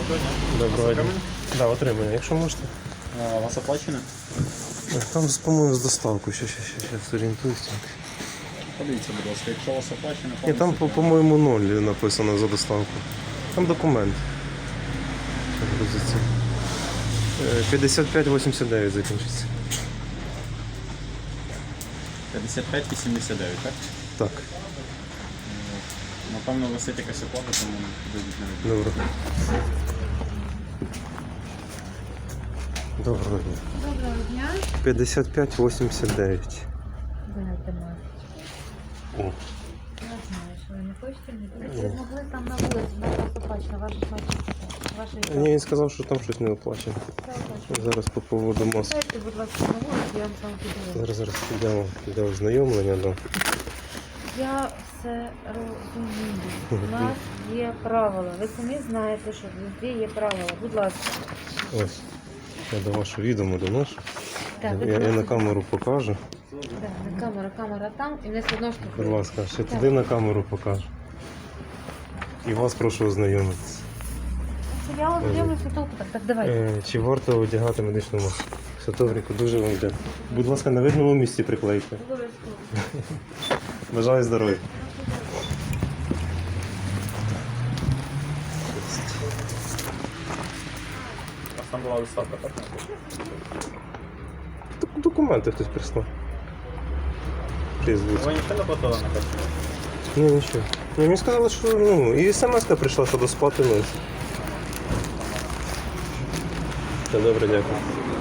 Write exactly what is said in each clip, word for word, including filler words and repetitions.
Доброго дня. Да, отримання, якщо можете. А, у вас оплачено? Там, по-моєму, з доставкою. Ще, ще, ще, ще зорієнтуюся. Подивіться, будь ласка, якщо у вас оплачено, Ні, там, по- по-моєму, ноль написано за доставку. Там документ. Грузиться. Е, п'ятдесят п'ять вісімдесят дев'ять закінчиться. п'ятдесят п'ять вісімдесят дев'ять, так? Так, Напевно, висить якась оплата, тому дадуть не добре. Доброго дня. Доброго дня. п'ятдесят п'ять вісімдесят дев'ять. Дайте маску. О, Я знаю, що ви не хочете. Не ви могли там на вулиці, на вас оплачено, ваш ваші ні, він сказав, що там щось не оплачено. Зараз по поводу маски. Дайте, будь ласка, на вулиці, я вам сам піду. Зараз, зараз підемо для ознайомлення. Да. Я все розумію. У нас є правила. Ви самі знаєте, що везде є правила. Будь ласка. Ось. Я до вашого відомо доношу. Так, Я, я на камеру покажу. Так, на камера, камера там, і не все одно Будь штукає. ласка, ще туди на камеру покажу. І вас прошу ознайомитися. Я вам дивлюся толку, так, так, давайте. Е, чи варто одягати медичну маску? Все добренько, дуже вам дякую. Будь ласка, на видному місці приклейте. Обов'язково. Бажаю здоров'я. У вас там була доставка, так? Док- Документи хтось прислав. Призвуть. Ви ніхто не платили на карту? Ні, нічого. Ні, мені сказали, що ну, і смс-ка прийшла, що доспати нас. Все добре, дякую.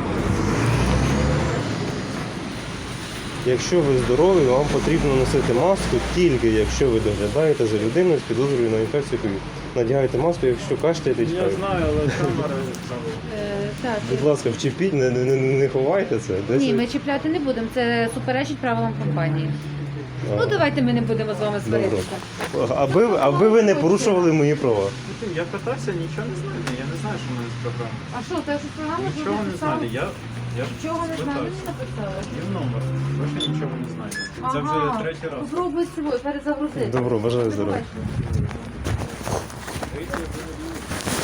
Якщо ви здорові, вам потрібно носити маску тільки якщо ви доглядаєте за людиною з підозрою на інфекцію ковід. Надягайте маску, якщо кашляєте, Я чекаєте. знаю, але камера забула. Е, Так, Будь ласка, вчепіть, не, не, не, не ховайте це. Десь ні, ви- ми чіпляти не будемо, це суперечить правилам компанії. А, Ну давайте ми не будемо з вами добре. сваритися. Аби, аби ви не порушували мої права. Я питався, нічого не знаю. Я не знаю, що в мене з програмою. А що, те, що програма Нічого не знаю. Я, я ж Нічого не знаю, мені питався. написали. Є номер. Більше нічого не знаю. Це вже третій раз. Попробуй з собою перезагрузити. Добро, бажаю здоров'я. Побачимо.